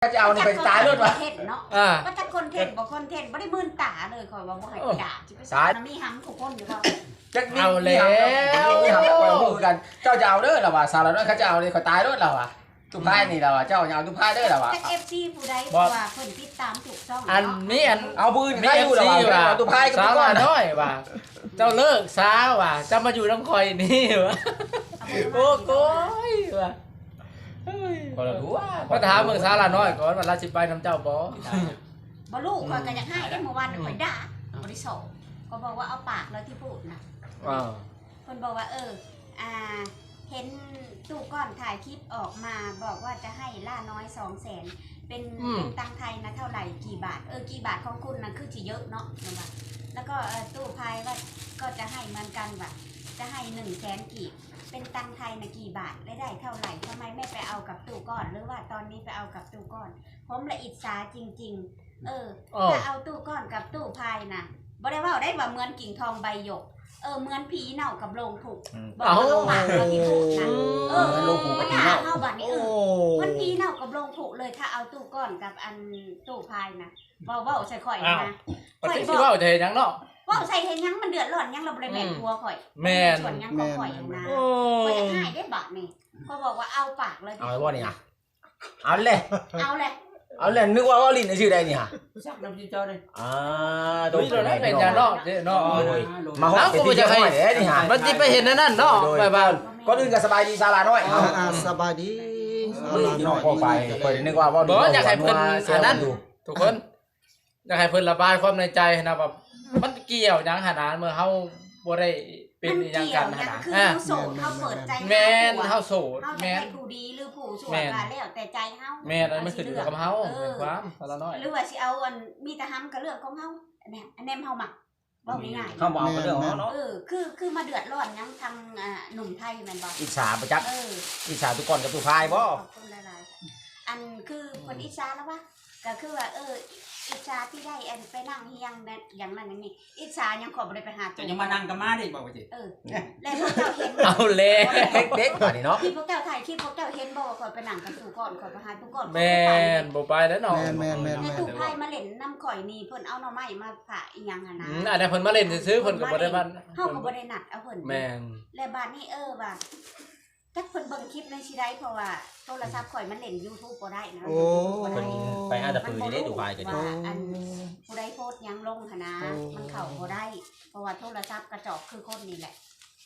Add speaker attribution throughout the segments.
Speaker 1: จะเอานี่ไปตายรถวะ
Speaker 2: เนาะว่าถ้าคนเทศบ่คนเทศบ่ได้มื่นตาเลยข่อยว่าบ่ให้ด่าสิไปสอนมีหำทุกคนอยู่บ่
Speaker 3: เอาแล้ว
Speaker 1: มีหำแล้วข่อยพูดกันเจ้าจะเอาเด้อล่ะว่าสาวน้อยเขาจะเอานี่ข่อยตายรถล่ะว่ะทุพายนี่ล่ะว่าเจ้าอย่าเอาทุพายเด้อล่ะว่า
Speaker 2: แต่ FC ผู้ใดเพราะว่าเพิ่นติดตามถูกต้อง
Speaker 3: อันนี้อัน
Speaker 1: เอาปืนใครอยู่ล่ะว่าเอาทุพายกับทุกคน
Speaker 3: น้อยว่าเจ้าเลิกซาว่ะจะมาอยู่น้ำคอยนี่วะโอ้โก้ยว่ะ
Speaker 1: ก็รู้ว่า
Speaker 3: ก็ถามเมืองซาลาน้อยก่อนว่าราชิไปน้ำเจ้าบ่
Speaker 2: บ่ลูกข่อยก็อยากให้ได้เมื่อวานข่อยด่าบ่ได้สอนก็บอกว่าเอาปากเลยที่พูดน่ะเพิ่นบอกว่าเห็นตู้ก้อนถ่ายคลิปออกมาบอกว่าจะให้ล่าน้อย200,000เป็นตังไทยนะเท่าไหร่กี่บาทกี่บาทของคุณนะคือสิเยอะเนาะว่าแล้วก็ตู้พายว่าก็จะให้เหมือนกันว่าจะให้100,000กีบเป็นตังไทยนะกี่บาทได้เท่าไหร่ทำไมไม่ไปเอากับตู้ก้อนหรือว่าตอนนี้ไปเอากับตู้ก้อนผมละอิจฉาจริงๆถ้าเอาตู้ก้อนกับตู้พายนะบ่ได้ว่าได้ว่าเหมือนกิ่งทองใบหยกเหมือนผีเน่ากับโลงถูกบอกว่าลงหมากเราที่ถูกนะ
Speaker 1: โลงผูกกับผีเน่า
Speaker 2: เข้าบัดนี้มันผีเน่ากับโลงถูกเลยถ้าเอาตู้ก้อนกับอันตู้พายนะว่าใส่ข่อยนะ
Speaker 3: ข่อยบอกว่าจะเห็นยังเนาะ
Speaker 2: ว่าใส่เห็นยังมันเดือดร้อนยังเราบริแม่ทัวข่อย
Speaker 3: แม่
Speaker 2: ส่วนยังก็ข่อยนะข่อยจะให้ได้บัดนี่ก็บอกว่าเอาปากเลย
Speaker 1: เอาไว้ว่านี่ฮะเอาเลย
Speaker 2: เอาเลย
Speaker 1: นึกว่าลิ้นชื่อใดนี่ฮะ
Speaker 4: ชักน้ำจิ้มเจ้าเลย
Speaker 3: ตัวนี้เป็นยาเนาะเนาะ
Speaker 1: มาห้องไปที่ห้อยนี่ฮะ
Speaker 3: มันจะไปเห็นนั่นเนาะไปบ้าน
Speaker 1: ก็อื่นก็สบายดีซาลาน้อย
Speaker 5: สบายดี
Speaker 1: น้อยพอไปข่อยนึกว่า
Speaker 3: บ่อยากให้เพิ่นอันนั้นทุกคนอยากให้เพิ่นระบายความในใจนะแบบมันเกี่ยวยังขนาดเมื่อเฮาบ่ได้เป็นอย่างกันขนาด
Speaker 2: คือเฮาโสดเฮาเปิดใจ
Speaker 3: แม่นเฮาโสด
Speaker 2: แม่นผู้ดีหรือผู้ชั่วก็แล้วแต่ใจเฮา
Speaker 3: แม่นอันมันขึ้นอยู่กับเฮาความซาลาน้อย
Speaker 2: หรือว่าสิเอาอันมีแต่ห้ำก็เรื่องของเฮาเนี่ยอันแนมเฮามักเว้าง่ายๆ
Speaker 1: เฮาบ่เอาเรื่องของเฮาเนาะ
Speaker 2: คือมาเดือดร้อนยังทางหนุ่มไทยแม่นบ่
Speaker 1: อิจฉาประจักษ์อิจฉาทุกคนกับทุกพายบ่
Speaker 2: อันคือคนอิจฉาแล้ววะก็คือว่าอิจฉาที่ได้อันไปนั่งเฮียงอย่างนั้นอย่างนี้อิจฉายังขอบ่ได้ไปหา
Speaker 4: จะยังมานั่งกับมาได้บอกว่าจิ
Speaker 2: แล้วพวกเจ้าเห็น
Speaker 3: เอาแล้ว
Speaker 1: เด็กๆกว่านี่เนาะ
Speaker 2: ที่พวกเจ้าถ่ายคลิปพวกเจ้าเห็นบ่ว่าขอไปนั่งกับตู้ก่อนขอไปหาตู้ก่อน
Speaker 3: แม่นบ่ไปแล้วเนาะ
Speaker 5: แม่น
Speaker 2: ตู้ไผมาเล่นน้ำข่อยนี่เพิ่นเอาหน่อไม้มาผ่าอีหยังอ่ะนะ
Speaker 3: อันนี้เพิ่นมาเล่นซื้อเพิ่นก็บ่ได้มัน
Speaker 2: เฮาก็บ่ได้นัดเอาเพิ่น
Speaker 3: แม่น
Speaker 2: และบัดนี้ว่าถ้าเพิ่นเบิ่งคลิปในสิได้เพราะว่าโทรศัพท์ข่อยมันเล่น YouTube บ่ได้นะ
Speaker 1: ไปหาตะปือได้ดูพายกัน
Speaker 2: อันผู้ใดโพสต์ยังลงหั่นนะมันเข้าบ่ได้เพราะว่าโทรศัพท์กระจอกคือคนนี่แหละ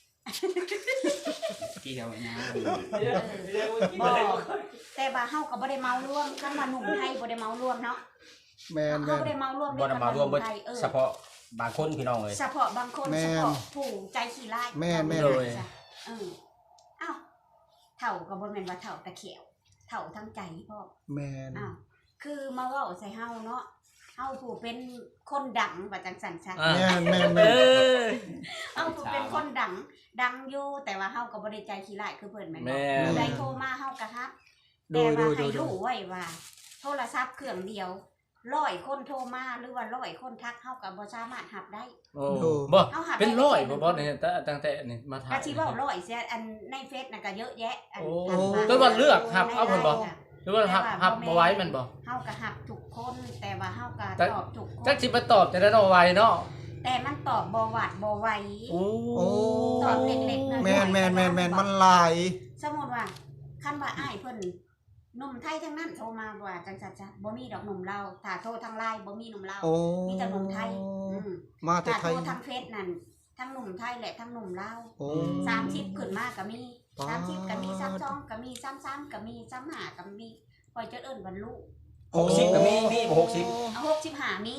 Speaker 4: กี่เท่านะ
Speaker 2: บ่แต่ว่าเฮาก็บ่ได้เมาร่วมคันว่าหนุ่มไทยบ่ได้เมาร่วมเนาะ
Speaker 5: แม่น
Speaker 2: เฮาบ่ได้เมาร่วม
Speaker 1: บ่ได้เมาร่วมเฉพาะบางคนพี่น้องเลย
Speaker 2: เฉพาะบางคนเฉพาะผู้ใจขี้ร้าย
Speaker 5: แม่
Speaker 2: เลยอ้าวเฒ่าก็บ่แม่นว่าเฒ่าตะเขียวเฒ่าทั้งใจพ่อ
Speaker 5: แม่น
Speaker 2: คือมาเว้าใส่เฮาเนาะเฮาผู้เป็นคนดังว่าจังซั่นซะ
Speaker 5: แม่น
Speaker 2: เฮาผู้เป็นคนดังอยู่แต่ว่าเฮาก็บ่ได้ใจขี้ร้ายคือเพิ่นแม่นบ่ได้โทรมาเฮาก็รับแต่ว่าให้รู้ไว้ว่าโทรศัพท์เครื่องเดียว100คนโทรมาหรือว่า100คนทักเฮาก็บ่สามารถรับได้
Speaker 3: บ่เป็น100บ่เนี่ยตั้งแต่นี่มา
Speaker 2: ถ่ายก็สิเว้า100เสียอันในเฟซน่ะก็เยอะแยะอัน
Speaker 3: ก็ว่าเลือกรับเอาเพิ่นบ่หรือว่ารับบ่ไหวมันบ่
Speaker 2: เฮาก็รับทุกคนแต่ว่าเฮาก็ตอบทุกคน
Speaker 3: จักสิมาตอบจะได้บ่ไหวเนาะ
Speaker 2: แต่มันตอบบ่หวาดบ่ไหวตอบเล็กๆน้อยๆ
Speaker 5: แม่นมันหลาย
Speaker 2: สมมุติว่าคันว่าอ้ายเพิ่นหนุ่มไทยทั้งนั้นโทรมาว่าจังซั่นจ้ะบ่มีดอกหนุ่มลาวถ้าโทรทาง LINE บ่มีหนุ่มลาวมีแต่หนุ่มไทย
Speaker 5: มาแต่ไทย
Speaker 2: ถ้าโทรทางเฟซนั่นทั้งหนุ่มไทยและทั้งหนุ่มลาว30ขึ้นมาก็มี30ก็มี32ก็มี33ก็มี35ก็มีปล่อยจะเอิ้นวันลูก
Speaker 1: 60ก็มีบ่
Speaker 2: 65มี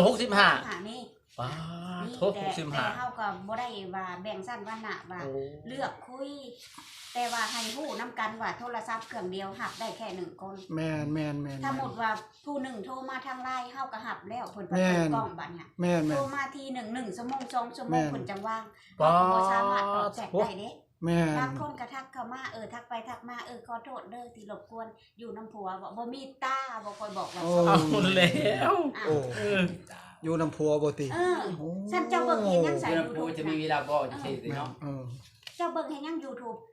Speaker 3: 65
Speaker 2: มี
Speaker 3: ป้าโทษ65
Speaker 2: แต่เฮาก็บ่ได้ว่าแบ่งสั้นวรรณะว่าเลือกคุยแต่ว่าให้ฮู้นํกันว่าโทรศัพท์เครื่องเดียวรับได้แค่1คน
Speaker 5: แม่น
Speaker 2: ถ้าหมดว่าผู้หนึ่งโทรมาทาง LINE เฮาก็รับแล้วเพิ่นเปิดกล้องบัดเนี่ยโทรมาที1ชั่วโมง2ชั่วโมงเพิ่นจังว่างบ่สามารถตอบแชทได้เด้บางคนก็ทักเข้ามาทักไปทักมาขอโทษเด้อที่รบกวนอยู่น้ำผัวบ่มีตาบ่ค่อยบอกว่า
Speaker 3: เอาแล้ว
Speaker 5: อยู่น้ำผัวบ่ติ
Speaker 2: ฉันเจ้าเบิ่งเห็นยังใส่
Speaker 4: YouTube จะมีเวลาบ่จังซี่เนาะ
Speaker 2: เจ้าเบิ่งเห็นยัง YouTube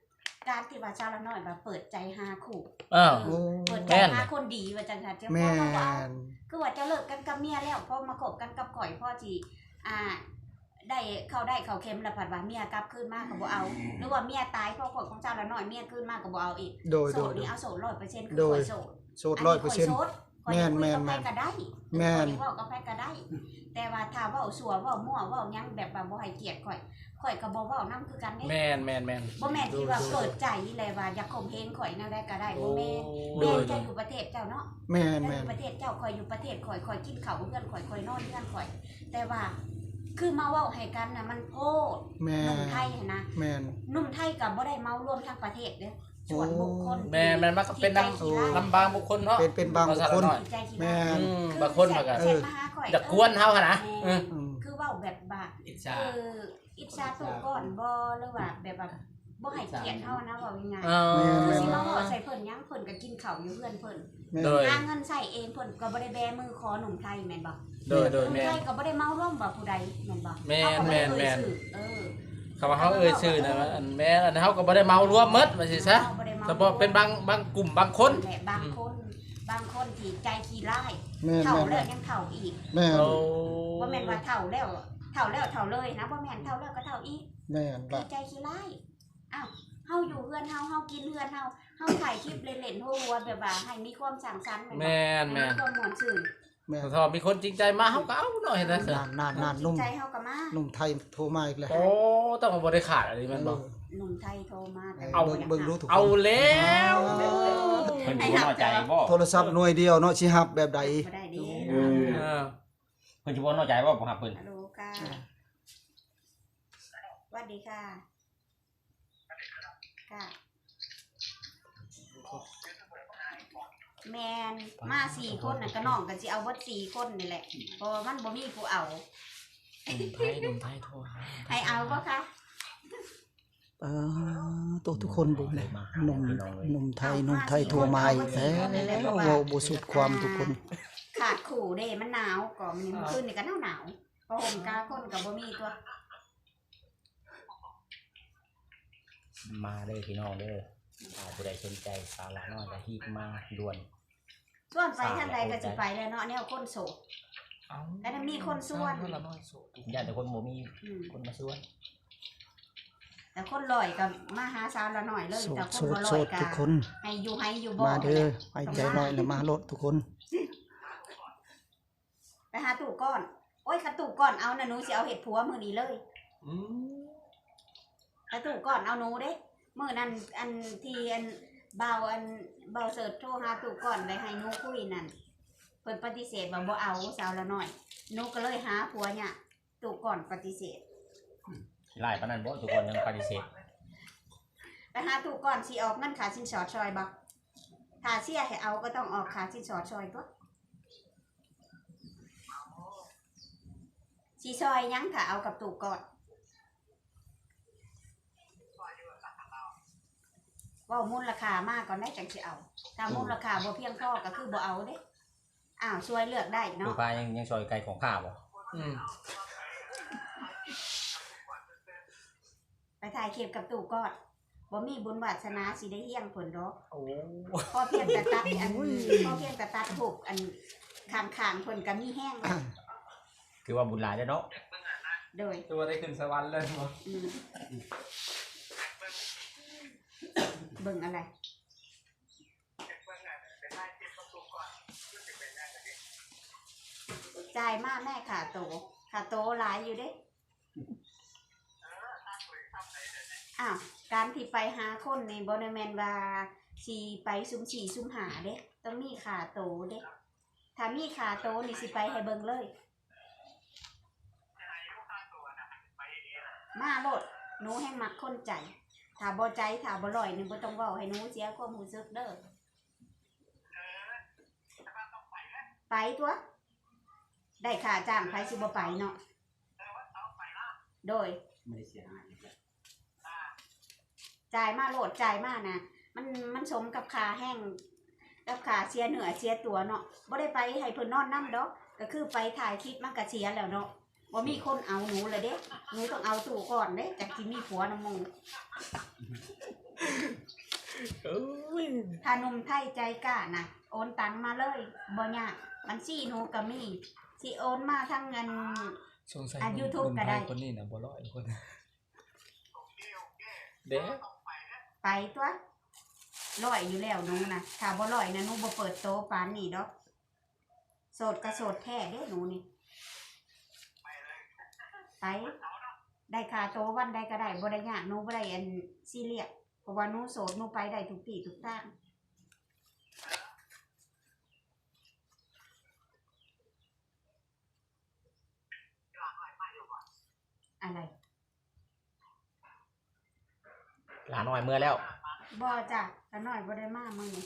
Speaker 2: การที่ว่าชาวละน้อยว่าเปิดใจหาคู่
Speaker 3: เออ
Speaker 5: โอ้
Speaker 2: เปิดใจหาคนดีว่าจังซั่นเจ้า
Speaker 5: แม่
Speaker 2: พ่อว่า
Speaker 5: น
Speaker 2: คือว่าจะเลิกกันกับเมียแล้วพอมาคบกันกับข่อยพ่อสิได้เขาเค็มแล้วผัดว่าเมียกลับคืนมาก็บ่เอาหรือว่าเมียตายเพราะคนของเจ้าละน้อยเมียคืนมาก็บ่เอาอีก
Speaker 5: โดย
Speaker 2: โส
Speaker 5: โด
Speaker 2: ด
Speaker 5: ย
Speaker 2: นี่เอาโสด100%คือ
Speaker 5: โด
Speaker 2: ข่
Speaker 5: ย
Speaker 2: อยโสด
Speaker 5: โสด100%
Speaker 2: แม่นแม่นก็ได้
Speaker 5: แม่น
Speaker 2: ข่อยเว้ากับไผก็ได้ แต่ว่าถ้าเว้าสัวเว้ามั่วเว้าหยังแบบว่าบ่ให้เกียรติข่อยก็บ่เว้านำคือกันเด้
Speaker 3: แม่น
Speaker 2: บ่แม่นที่ว่าเปิดใจเลยว่าอยากข่มเหงข่อยแนวใดก็ได้บ่แม่น
Speaker 5: โด
Speaker 2: แม่
Speaker 5: ย
Speaker 2: นจะอยู่ประเทศเจ้าเนาะ
Speaker 5: แม่น
Speaker 2: ถ้าอ
Speaker 5: แม่น
Speaker 2: ยู่ประเทศเจ้าข่อยอยู่ประเทศข่อยกินข้าวเพื่อนข่อยนอนเพื่อนข่อย แต่ว่าคือมาเว้าให้กันน่ะมันโพด
Speaker 5: แม่
Speaker 2: หนุ่ม
Speaker 5: น
Speaker 2: ไทยหั้นนะ
Speaker 5: แม่น
Speaker 2: หนุ่มไทยก็บ่ได้เมารวมทั้งประเทศเด้อส่วนบุคคล
Speaker 3: แม่นมันก็เป็น
Speaker 2: ที่ใจขี้ร้าย
Speaker 3: ลำบางบุคคลเนาะ
Speaker 5: เป็นบางบุคคล
Speaker 2: ที่ใจขี้
Speaker 5: แม่
Speaker 2: ร้าย
Speaker 5: น
Speaker 3: บางคนมันก็
Speaker 2: เช่นมาหาข่อย
Speaker 3: อยากกวนเฮาหั่นนะ
Speaker 2: แม่
Speaker 5: อืม
Speaker 2: คือเว้าแบบว่า
Speaker 4: อิจ
Speaker 2: เอ
Speaker 4: ฉา
Speaker 2: ออิจฉาตัวก่อนบ่หรือว่าแบบว่าบ่ให้เกียรติเฮานะเว้าง่าย
Speaker 3: เอ
Speaker 2: ๆคือ
Speaker 3: อ
Speaker 2: สิมาเว้าใส่เพิ่นหยังเพิ่นก็กินข้าวอยู่เพื่อนเพิ่น
Speaker 5: แม่น
Speaker 3: โดย
Speaker 2: หาเงินใช้เองเพิ่นก็บ่ได้แบมือขอหนุ่มไทยแม่นบ่
Speaker 3: โดย
Speaker 2: หนุ่ม
Speaker 3: แม่
Speaker 2: ไท
Speaker 3: น
Speaker 2: ยก็บ่ได้เมาร่วมบ่ผู้ใดแม่นบ่
Speaker 3: แม่น
Speaker 2: เขาก็บ่ได้
Speaker 3: แม่น
Speaker 2: เอ่ยชื่อเออ
Speaker 3: คำว่าเขาเอ่ยชื่อนะอันแม่อันเฮาก็บ่ได้เมารวมหมดว่าสิซะ
Speaker 2: บ่ได้มา
Speaker 3: เฉพาะเป็นบางกลุ่มบางคน
Speaker 2: แหละบางคนที่ใจขี้ร้าย
Speaker 5: แม่น
Speaker 2: เฒ่า
Speaker 5: แม่น
Speaker 2: แล้วยังเฒ่าอีก
Speaker 5: แม่น
Speaker 3: โอ้
Speaker 2: บ่แม่นว่าเฒ่าแล้วเฒ่าเลยนะบ่แม่นเฒ่าแล้วก็เฒ่าอีก
Speaker 5: แม่น
Speaker 2: คื
Speaker 5: ล่ะ
Speaker 2: อใจขี้ร้ายอ้าวเฮาอยู่เฮือนเฮากินเฮือนเฮาถ่ายคลิปเล่นๆหัวๆแบบว่าให้มีความสร้างสรรค์แม่นบ่
Speaker 3: แม่น
Speaker 2: ให้มีความม่วนซื่น
Speaker 5: แม่น
Speaker 3: ถ้ามีคนจริงใจมาเฮาก็เอาหน่อยนะ
Speaker 5: นานนุ่ม
Speaker 2: ใจเฮาก็มา
Speaker 5: นุ่มไทยโทรมาอีกแล้ว
Speaker 3: โอ้ต้องบ่ได้ขาดอะไรมันบ่
Speaker 2: หนุ่มไทยโทรมาแต่
Speaker 3: เอา
Speaker 5: เบิ่งรู้ทุกคน
Speaker 3: เอาแล้ว
Speaker 1: เพิ่นสิบ่น้อยใจบ่
Speaker 5: โทรศัพท์หน่วยเดียวเนาะสิฮับแบบใด
Speaker 2: บ่ได้ดี
Speaker 3: เออ
Speaker 1: เพิ่นสิบ่น้อยใจบ่บ่ฮับเพิ่น
Speaker 2: ฮัลโหลค่ะสวัสดีค่ะค่ะแมนมา4 คนน่ะก็น้องก็สิเอาเบิด4 คนนี่แหละเพราะว่ามันบ่มีผู้เอา
Speaker 3: หนุ่มไทยโทรหา
Speaker 2: ให้เอาบ่คะ
Speaker 5: ตัวทุกคนบุญเลยหนุ่มไทยโทรมาอีกแล้วเว้าบ่สุดความทุกคน
Speaker 2: ขาดขู่เด้มันหนาวก่อนมันคืนนี่ก็หนาวๆพอห่มกาคนก็บ่มีตัว
Speaker 1: มาเด้อพี่น้องเด้อถ้าผู้ใดสนใจสาระน้อยก็ฮีบมาด่วน
Speaker 2: ส่วนไปทางใดก็สิไปแล้วเนาะแนวคนโสด
Speaker 3: เอา
Speaker 2: แล้วมันมีคนส่วน
Speaker 3: ละน้อยโสด
Speaker 1: ญาติแต่คนบ่มี
Speaker 2: อืม
Speaker 1: คนมาช่วย
Speaker 2: แต่คนลอยก็มาหาสาวละหน่อยเลย
Speaker 5: โส
Speaker 2: แต่
Speaker 5: ด
Speaker 2: ค
Speaker 5: โส
Speaker 2: น
Speaker 5: ด
Speaker 2: บ่ล
Speaker 5: โส
Speaker 2: อย
Speaker 5: ด
Speaker 2: ก็
Speaker 5: ทุกคน
Speaker 2: ให้อยู่บ่
Speaker 5: มาเด้อ
Speaker 2: นั่นแหละ
Speaker 5: ไปใจน้อยแล้วมาโลดทุกคน
Speaker 2: ไปหาตู่ก้อนโอ้ยกระตู่ก้อนเอานะหนูสิเอาเห็ดผัวมื้อนี้เลยกระตู่ก้อนเอาหนูเด้มื้อนั้นอันที่อันเบาเสิร์ชโทรหาตู่ก้อนได้ให้หนูคุยนั่นเพิ่นปฏิเสธว่าบ่เอาสาวละหน่อยหนูก็เลยหาผัวเนี่ยตู่ก้อนปฏิเสธ
Speaker 1: ขี้ร้ายปานนั้นบ่ทุกคนยังปฏิเสธ
Speaker 2: ไปหาตู่ก้อนสิออกเงินค่าสินสอดซอยบ่ถ้าเสียให้เอาก็ต้องออกค่าสินสอดซอยตัวสิซอยหยังถ้าเอากับตู่ก้อนเว้ามูลราคามากก่อนได้จังสิเอาถ้ามูลราคาบ่เพียงพอก็คือบ่เอาเด้อ้าวช่วยเลือกได้
Speaker 1: ผู้
Speaker 2: เนาะ
Speaker 1: พายยังซอยไกลของข้าบ่
Speaker 2: ไปถ่ายคลิปกับตู่ก้อนบ่มีบุญวาสนาสิได้เฮี้ยงผลดอก
Speaker 3: โอ้
Speaker 2: พอเพียงแต่ตัดอันพอเพียงแต่ตัดถูกอันข้างๆเพิ่นก็มีแห้งแล้ว
Speaker 1: คือว่าบุญหลายเด้อเนาะ
Speaker 2: โดย
Speaker 3: ตัวได้ขึ้นสวรรค์เลยบ่
Speaker 2: อืมเบิ่งอะไรจ่ายมากแม่ขาโตหลายอยู่เด้อ้าวการที่ไปหาคนในบ่ได้แม่นว่าสิไปซุ่ม4ซุ่มหาเด้ต้องมีขาโตเด้ถ้ามีขาโตนี่สิไปให้เบิ่งเลยมาโลดหนูแห่งมักคนใจถ้าบ่ใจถ้าบ่ลอยนี่บ่ต้องเว้าให้หนูเสียความรู้สึกเด้อไปตัวได้ค่าจ้างไปสิบ่ไปเนาะโดย
Speaker 4: ไม่ได้เสียหาย
Speaker 2: จ่ายมาโหลดจ่ายมานะมันสมกับค่าแห้งกับค่าเสียเหนือเสียตัวเนาะบ่ได้ไปให้เพิ่นนอนนำดอกก็คือไปถ่ายคลิปมันก็เสียแล้วเนาะบ่มีคนเอาหนูเลยเด้หนูต้องเอาตู่ก่อนเด้จักสิมีผัวนำหมู่
Speaker 3: โอ้ย
Speaker 2: ถ้าหนุ่มไทยใจกล้านะโอนตังมาเลยบ่ยากบัญชีหนูก็มีสิโอนมาทั้งเงิน
Speaker 3: สงสัย
Speaker 2: YouTube ก็ได้
Speaker 3: คนนี้น่ะบ่ร้อยคนเด้
Speaker 2: ไปตัวร้อยอยู่แล้วหนูนะถ้าบ่ร้อยนะหนูบ่เปิดโตปานนี้ดอกโสดก็โสดแท้เด้หนูนี่ไปได้ค่าโตวันใดก็ได้บ่ได้ยากหนูบ่ได้อันซีเรียสเพราะว่าหนูโสดหนูไปได้ทุกที่ทุกทางอะไร
Speaker 1: หลานน้อยเมื่อแล้ว
Speaker 2: บ่จ้ะแต่น้อยบ่ได้มามื้อนี้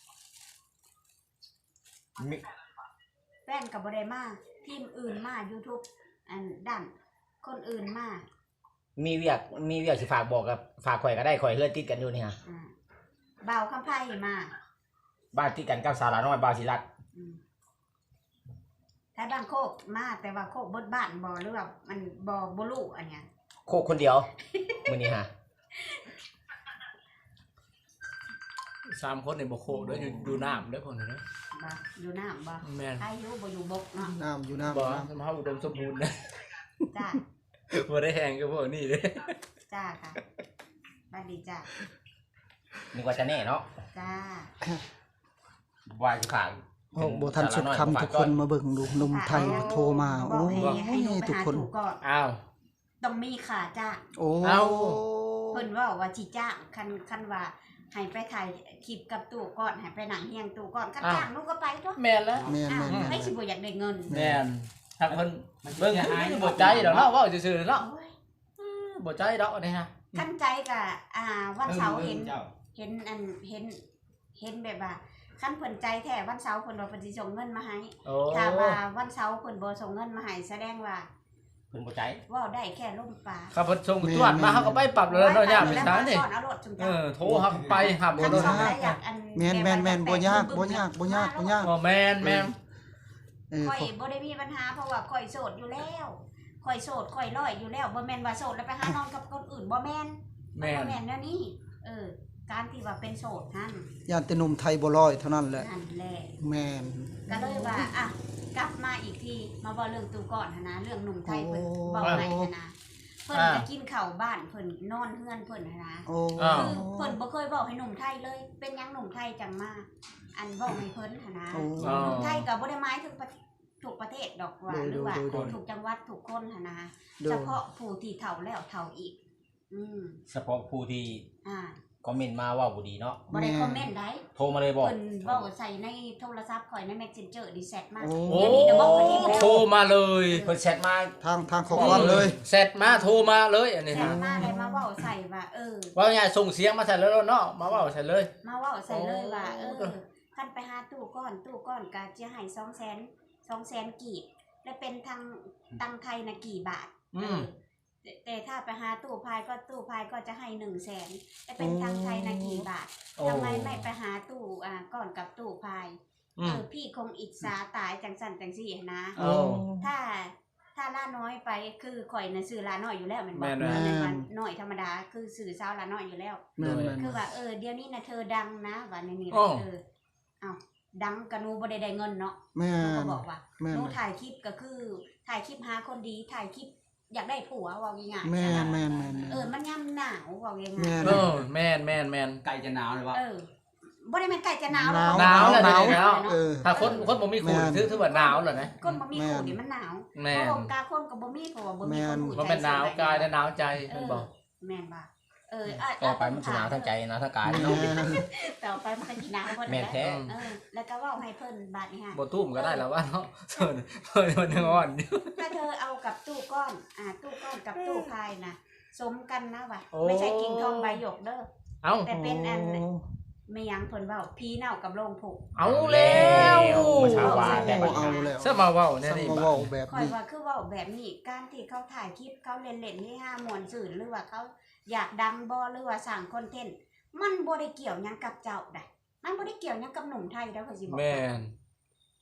Speaker 1: มิ
Speaker 2: แฟนก็บ่ได้มาทีมอื่นมา YouTube อันด้านคนอื่นมา
Speaker 1: มีเวียกสิฝากบอกกับฝากข่อยก็ได้ข่อยเฮือนติดกันอยู่นี่ฮะ
Speaker 2: อ่าบ่าวคำไพ่มา
Speaker 1: บ้านติดกันกับสาวหลานน้อยบ่าวศิรัตน์
Speaker 2: อืมถ้าบ้านโคกมาแต่ว่าโคกบดบ้านบ่หรือว่ามันบ่รู้อันเนี้ย
Speaker 1: โคกคนเดียวมื้อนี้ฮะ
Speaker 3: 3คนนี่บ่โคเด้ออยู่น้ำเด้อคนนี้เด้อ
Speaker 2: บ่อยู่น้ำบ่
Speaker 3: แม่น
Speaker 2: ใครอยู่บ่อยู่บกเนาะ
Speaker 5: น้ำอยู่น้ำ
Speaker 3: บ่
Speaker 5: น้ำ
Speaker 3: สมเฮาอุดมสมบูรณ์นะ
Speaker 2: จ้า
Speaker 3: บ่ได้แฮงกับพวกนี้เด้
Speaker 2: จ้าค่ะบัดดีจ้า
Speaker 1: นึกว่าจะแน่เนาะ
Speaker 2: จ้า
Speaker 1: ว่าสิฝาก
Speaker 5: โอ้บ่ทันสุดคำทุกคนมาเบิ่งดูหนุ่มไทยโทรมา
Speaker 2: บ
Speaker 5: โอ้
Speaker 2: อกให้หนู
Speaker 5: ย
Speaker 2: ไป
Speaker 5: ทุก
Speaker 2: หา
Speaker 5: คน
Speaker 2: ถูกก่อน
Speaker 3: อ้าว
Speaker 2: ต้องมีค่าจ้าง
Speaker 5: โอ้
Speaker 3: เอา
Speaker 2: เพิ่นเว่าว่าสิจ้างคันว่าให้ไปถ่ายคลิปกับตู่ก่อนให้ไปหนังเฮียงตู่ก่อนคันจ้างหนูก็ไปตัว
Speaker 3: แม่นแล้ว
Speaker 5: แม่น
Speaker 2: อ้าว
Speaker 5: แม่น
Speaker 2: ให้สิบ่อยากได้เงิน
Speaker 3: แม่นทางเพิ่นเบิ่งบ่ใจดอกเนาะเว้าซื่อๆเนาะ
Speaker 2: โอ้ย
Speaker 3: บ่ใจดอกอันนี้ฮะ
Speaker 2: คันใจก็วันเสาร์เห็น
Speaker 4: เจ้า
Speaker 2: เห็นแบบว่าคันเพิ่นใจแท้วันเสาร์เพิ่นว่าเพิ่นสิส่งเงินมาให้
Speaker 3: โอ้
Speaker 2: ถ้าว่าวันเสาร์เพิ่นบ่ส่งเงินมาให้แสดงว่า
Speaker 1: เพิ่นบ่ใจ
Speaker 2: เว้าได้แค่ลมปาก
Speaker 3: ครับเพิ่นส่งตรวจมาเฮาก็ไปปรับแล้วเนาะยากเป็น
Speaker 2: แล้ว
Speaker 3: ทาง
Speaker 2: มา
Speaker 3: นี่
Speaker 2: สอนเอารถจุง
Speaker 3: เอ
Speaker 2: จ้า
Speaker 3: อโทรเฮาก็ไปหาบ่
Speaker 2: คัน
Speaker 3: โดน
Speaker 2: สอนได้อยากอัน
Speaker 5: แม่นบ่ยากบ่ยากบ่ยาก
Speaker 3: อ๋อแม่น
Speaker 5: เออ
Speaker 2: ข่อยบ่ได้มีปัญหาเพราะว่าข่อยโสดอยู่แล้วข่อยโสดข่อยร้อยอยู่แล้วบ่แม่นว่าโสดแล้วไปหานอนกับคนอื่นบ่แม่น
Speaker 3: แม่น
Speaker 2: บ่แม่นแนวนี้การที่ว่าเป็นโสดนั่น
Speaker 5: ย่านแต่หนุ่มไทยบ่ลอยเท่านั้นแหละ
Speaker 2: นั่นแหละ
Speaker 5: แม่น
Speaker 2: ก็เลยว่าอ่ะกลับมาอีกทีมาบอกเรื่องตูก่อนหั้นนะเรื่องหนุ่มไทยเพิ่นบอกให้หั้นนะเพิ่นจะกินข้าวบ้านเพิ่นนอนเฮือนเพิ่นหั้นนะ
Speaker 5: โอ้
Speaker 2: คือเพิ่นบ่เคยบอกให้หนุ่มไทยเลย เป็นหยังหนุ่มไทยจังมาอันบอกให้เพิ่นหั้นนะ
Speaker 5: โอ้
Speaker 2: หนุ่มไทยก็บ่ได้หมายถึงถูกประเทศดอกว่า
Speaker 5: โดย
Speaker 2: หรือว่า
Speaker 5: โดย
Speaker 2: ถูกจังหวัดถูกคนหั้นนะ
Speaker 5: โดย
Speaker 2: เฉพาะผู้ที่เฒ่าแล้วเฒ่าอีก
Speaker 1: เฉพาะผู้ที่
Speaker 2: อ่า
Speaker 1: คอมเมนต์มาว่าบ่ดีเนาะ
Speaker 2: บ่ได้คอมเมนต์ได้
Speaker 1: โทรมาเลยบอก
Speaker 2: เพิ่นเว้าใส่ในโทรศัพท์ข่อยใน Messenger ดีแซดมา
Speaker 5: โอ้
Speaker 3: โอ้
Speaker 2: เดี๋ยวนี้จะบอกเพิ่นอีกแล้ว
Speaker 3: โทรมาเลย
Speaker 1: เพิ่นแชทมา
Speaker 5: ทางข้อความเลย
Speaker 3: เสร็จมาโทรมาเลยอันนี้
Speaker 2: แซ
Speaker 3: ฮะ
Speaker 2: ดมาเลยมาเว้าใส่ว่า
Speaker 3: ว่าไงส่งเสียงมาใส่แล้วเนาะมาเว้าใส่เลย
Speaker 2: มาเว่าใส่เลยว่า
Speaker 3: โอ้
Speaker 2: ท่านไปหาตู้ก้อนก็จะให้200,000กีบและเป็นทางตังไทยนะกี่บาทแต่ถ้าไปหาตู้พายก็จะให้100,000และเป็นทางไทยนะกี่บาท
Speaker 3: โอ้
Speaker 2: ทำไมไม่ไปหาตู้ก่อนกับตู้พาย พี่คงอิจฉาตายจังสันจังสี่นะ
Speaker 3: โอ้
Speaker 2: ถ้าล่าน้อยไปคือข่อยนะสื่อล่าน้อยอยู่แล้วแมันบอก
Speaker 3: แม่น
Speaker 2: แม่นว่าน้อยธรรมดาคือสื่อสาวล่าน้อยอยู่แล้ว
Speaker 5: แม่น
Speaker 2: คือว่าเดี๋ยวนี้นะเธอดังนะว่าในนี้
Speaker 3: อ้อ
Speaker 2: เอาดังกะนูบ่ได้เงินเนาะ
Speaker 5: แม่
Speaker 2: หนูก็
Speaker 5: น
Speaker 2: บอกว่า
Speaker 5: แม่น
Speaker 2: หนูถ่ายคลิปก็คือถ่ายคลิปหาคนดีถ่ายคลิปอยากได้ผัวว่าง่ายๆ
Speaker 5: แม่น
Speaker 2: ใช่
Speaker 5: แม่
Speaker 2: ปะ
Speaker 5: นแม่น
Speaker 2: มันย่ำหนาวว่าง่าย
Speaker 5: แม่น
Speaker 3: เออแม่น
Speaker 4: ไก่จะหนาวเลยวะ
Speaker 2: บ่ได้แม่นใกล้จะหนาว
Speaker 5: หนาว
Speaker 3: หนาวแล้ว
Speaker 5: หนาว
Speaker 3: เดี๋ยวนี้
Speaker 5: เออ
Speaker 3: ถ้าคนบ่มีคู่ถือว่าหนาวเหรอนะ
Speaker 2: คนบ่มีคู่นี่มันหนาว
Speaker 3: แม่
Speaker 2: เพ
Speaker 3: น
Speaker 2: ราะผมกาคนก็บ่มีเพราะว่าบ่มีคนหู
Speaker 3: มันเป็นหนาวกายและหนาวใจเพิ่นบอก
Speaker 2: แม่นบ่
Speaker 1: ต่อไปมันสิหนาวทั้งใจนะทั้งกาย
Speaker 5: แม่
Speaker 1: เนาะ
Speaker 5: น
Speaker 2: ต่อไปมันก็สิหนาวเพิ่น
Speaker 1: แม่นแท้
Speaker 2: แล้วก็เว้าให้เพิ่นบาดนี้ฮะ
Speaker 3: บ่ตุ้มก็ได้แล้วว่าเนาะเพิ่นมันยังอ่อนอยู่
Speaker 2: ถ้าเธอเอากับตู้ก้อนตู้ก้อนกับตู้พายนะสมกันนะว่ะ
Speaker 3: โอ้
Speaker 2: ไม่ใช่กิ่งทองใบหยกเด้อ
Speaker 3: เอ้า
Speaker 2: แต่เป็นอันไม่ยังเพิ่นเว้าพีเน่ากับโรงผูก
Speaker 3: เอาแล้ว
Speaker 1: มาชาวบ้านแต่
Speaker 5: โอ้
Speaker 1: บัด
Speaker 5: เอา
Speaker 1: นี้
Speaker 5: แล้ว
Speaker 3: ซะมาเว้า
Speaker 5: ส
Speaker 3: แน่นี่
Speaker 5: มา
Speaker 3: บา
Speaker 5: เว้า
Speaker 3: ด
Speaker 5: แบบ
Speaker 2: คอย
Speaker 5: นี้
Speaker 2: ว่าคือเว้าแบบนี้การที่เขาถ่ายคลิปเขาเล่นๆให้ห้ามวนสื่อหรือว่าเขาอยากดังบ่หรือว่าสร้างคอนเทนต์มันบ่ได้เกี่ยวหยังกับเจ้าได้มันบ่ได้เกี่ยวหยังกับหนุ่มไทยแล้วเขาสิบอก
Speaker 3: แม่น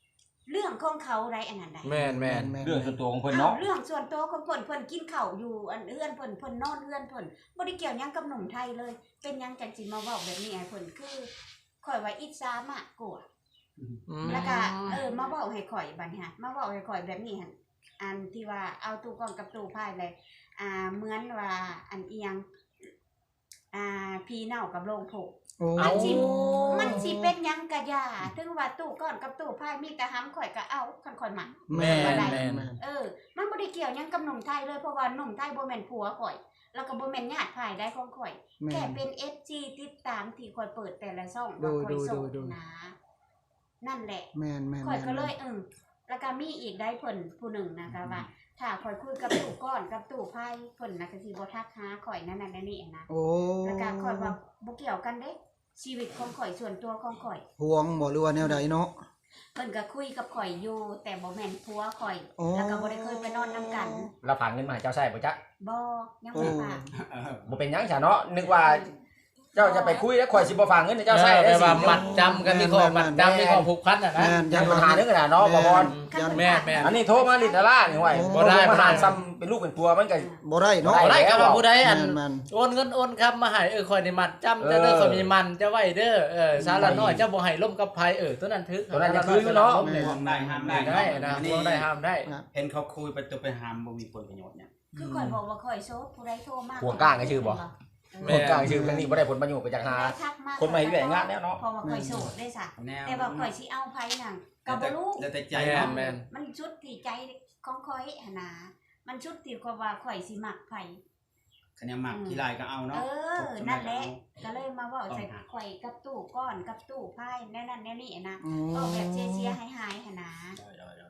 Speaker 2: เรื่องของเขาไรอันนั้นได้
Speaker 3: แม่น
Speaker 1: เรื่องส่วนตัวของเพิ่นเนาะ
Speaker 2: เรื่องส่วนตัวของเพิ่นกินข้าวอยู่อันเอื้อนเพิ่นนอนเอื้อนเพิ่นบ่ได้เกี่ยวหยังกับหนุ่มไทยเลย เป็นหยังจังสิมาเว้าแบบนี้ให้เพิ่นคือข่อยว่าอิจฉามากกว่า แล้วก็มาเว้าให้ข่อยบัดนี้ฮะมาเว้าให้ข่อยแบบนี้หั่นอันที่ว่าเอาตู้กล้องกับตู้พายเลยเหมือนว่าอันเอียงพีเน่ากับโรงโผ
Speaker 5: โอ้
Speaker 2: มันสิเป็นหยังกะยาถึงว่าตู้ก้อนกับตู้พายมีแต่ห้ำข่อยก็เอาคันข่อยมัก
Speaker 5: แม่น
Speaker 3: แม่น
Speaker 5: แม่น
Speaker 2: มันบ่ได้เกี่ยวหยังกับหนุ่มไทยเลยเพราะว่าหนุ่มไทยบ่แม่นผัวข่อย แล้วก็บ่แม่นญาติภายได้ของข่อย
Speaker 5: แม่
Speaker 2: แค่
Speaker 5: น
Speaker 2: เป็น FG ติดตามที่ข่อยเปิดแต่ละช่อง
Speaker 5: ดู
Speaker 2: ว่าข่อยโสด
Speaker 5: ดู
Speaker 2: นะนั่นแหละ
Speaker 5: แม่นแม่น
Speaker 2: ข่อยก็เลยแล้วก็มีอีกได้เพิ่นผู้หนึ่งนะคะว่า ถ้าข่อยคุยกับตู้ก้อนกับตู้ไพ่เพิ่นน่ะก็สิบ่ทักหาข่อยนั่นนี่นะ
Speaker 5: โอ้
Speaker 2: แล้วก็ข่อยว่าบ่เกี่ยวกันเด้ชีวิตของข่อยส่วนตัวของข่อย
Speaker 5: ห่วงบ่หรือว่าแนวใดเนาะ
Speaker 2: เพิ่นก็คุยกับข่อยอยู่แต่บ่แม่นผัวข่อย
Speaker 5: โอ้
Speaker 2: แล้วก็บ่ได้เคยไปนอนนํกัน
Speaker 1: เราฝากเงินมาให้เจ้าใช้บ่จ๊ะ
Speaker 2: บ่ยังบ่ฝาก
Speaker 1: บ่เป็นหยังซะเนาะนึกว่าเจ้าจะไปคุยแล้วข่อยสิบ่ฝากเงินให้เจ้าใช้
Speaker 3: แปล
Speaker 1: ได้สิ
Speaker 3: ว่ามัดจำกันมีข้อมัดจำมีข้อผูกพันน่ะนะ
Speaker 5: แม่น
Speaker 1: ยันปัญหานึงน่ะเนาะบ่พร
Speaker 3: แม่น
Speaker 1: อันนี้โทรมาลินดารานี่ห้วย
Speaker 5: บ่
Speaker 1: บ่
Speaker 3: ได้
Speaker 1: ได้มาหารซ้ำเป็นลูกเป็นผัวมันก็
Speaker 5: บ่ได้เนาะ
Speaker 3: บ่ได้ก็ว่าผู้ใดอัน
Speaker 5: แม่น
Speaker 3: โอนเงินโอนคำมาให้ข่อยนี่มัดจำจะเด้อข่อยมีมันจะไว้เด้อสาระน้อยเจ้าบ่ให้ล่มกับไผตัวนั้นทึก
Speaker 1: ตัวนั้นยังคืออยู่เนาะ
Speaker 4: ห่วงได้ห้ามได้
Speaker 3: ได้นะห่วงได้ห้ามได้
Speaker 4: เห็นเขาคุยไปตัวไปห้ามบ่มีผลประโยชน์เนี่ย
Speaker 2: คือข่อยบอกว่าข่อยโซดผู้ใดโทรมา
Speaker 1: ห่วงก้างก็ชื่อบ่
Speaker 3: แม่
Speaker 1: คนกลางชื่อกันนี่บ่ได้ผลประโยชน์ไปจากหา
Speaker 2: ทักมา
Speaker 1: คนมาเฮ็ดแหวงงานแล้วเนาะ
Speaker 2: เพราะว่าข่อยโสดได้ซะ
Speaker 4: แนว
Speaker 2: แต่ว่าข่อยสิเอาไผนั่นก็บ่รู้
Speaker 4: แล้วแต่ใจ
Speaker 3: แม่น
Speaker 2: มันชุดที่ใจของข่อยหั่นน่ะมันชุดที่ว่าข่อยสิมักไผ
Speaker 4: คะแนนหมักขี้ลายก็เอาเนาะ
Speaker 2: นั่นแหละก็เลยมาเว้าใส่ข่อยกับตู้ก้อนกับตู้ไพ่แน่นั่นแน่นี่นะ
Speaker 5: อื
Speaker 2: ก็แบบ
Speaker 5: ม
Speaker 2: เชียร์ๆหายๆหั่นนะ
Speaker 4: โด